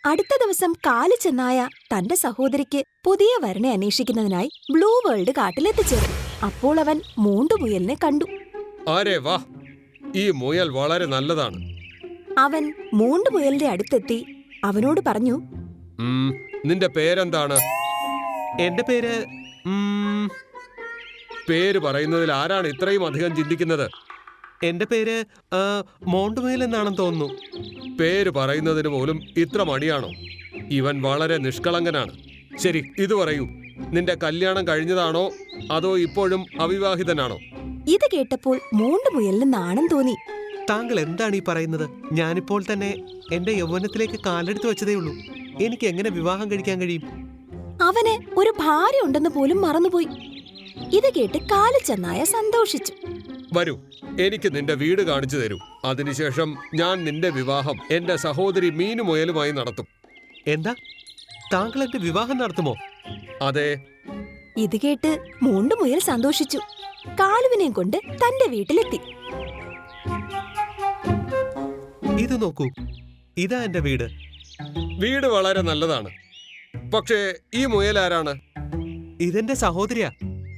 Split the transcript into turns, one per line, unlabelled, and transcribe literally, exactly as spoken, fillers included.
അടുത്ത ദിവസം കാലു ചെന്നായ തന്റെ സഹോദരിക്ക് പുതിയ വരനെ അന്വേഷിക്കുന്നതിനായി ബ്ലൂ വേൾഡ് കാട്ടിലെത്തിച്ചേർന്നു. അപ്പോൾ അവൻ മൂണ്ടുമുയലിനെ കണ്ടു.
ആരേ വാ, ഈ മുയൽ വളരെ നല്ലതാണ്.
അവൻ മൂണ്ടുമുയലിന്റെ അടുത്തെത്തി അവനോട് പറഞ്ഞു,
ഉം, നിന്റെ പേരെന്താണ്?
എന്റെ പേര്
പേര് പറയുന്നതിൽ ആരാണ് ഇത്രയും അധികം ചിന്തിക്കുന്നത്?
എന്റെ പേര് മോണ്ടുമുയൽ എന്നാണെന്ന് തോന്നുന്നു.
പേര് പറയുന്നതിന് പോലും ഇത്ര മടിയാണോ? ഇവൻ വളരെ നിഷ്കളങ്കനാണ്. ശരി, ഇത് പറയൂ, നിന്റെ കല്യാണം കഴിഞ്ഞതാണോ അതോ ഇപ്പോഴും അവിവാഹിതനാണോ?
ഇത് കേട്ടപ്പോൾ മൂണ്ടുമുയലിന് നാണം തോന്നി.
താങ്കൾ എന്താണ് ഈ പറയുന്നത്? ഞാനിപ്പോൾ തന്നെ എന്റെ യൗവനത്തിലേക്ക് കാലെടുത്ത് വെച്ചതേ ഉള്ളൂ. എനിക്ക് എങ്ങനെ വിവാഹം കഴിക്കാൻ കഴിയും?
അവന് ഒരു ഭാര്യ ഉണ്ടെന്ന് പോലും മറന്നുപോയി. ഇത് കേട്ട് കാലു ചെന്നായ സന്തോഷിച്ചു.
വരൂ, എനിക്ക് നിന്റെ വീട് കാണിച്ചു തരൂ. അതിനുശേഷം ഞാൻ നിന്റെ വിവാഹം എന്റെ സഹോദരി മീനു മുയലുമായി നടത്തും.
എന്താ, താങ്കൾ എന്റെ വിവാഹം നടത്തുമോ?
അതെ.
ഇത് കേട്ട് മൂണ്ടുമുയൽ സന്തോഷിച്ചു. കാളുവിനെയും കൊണ്ട് തന്റെ വീട്ടിലെത്തി.
ഇത് നോക്കൂ, ഇതാ എന്റെ വീട്.
വീട് വളരെ നല്ലതാണ്. പക്ഷേ ഈ മുയൽ ആരാണ്?
ഇതെന്റെ സഹോദരിയാ.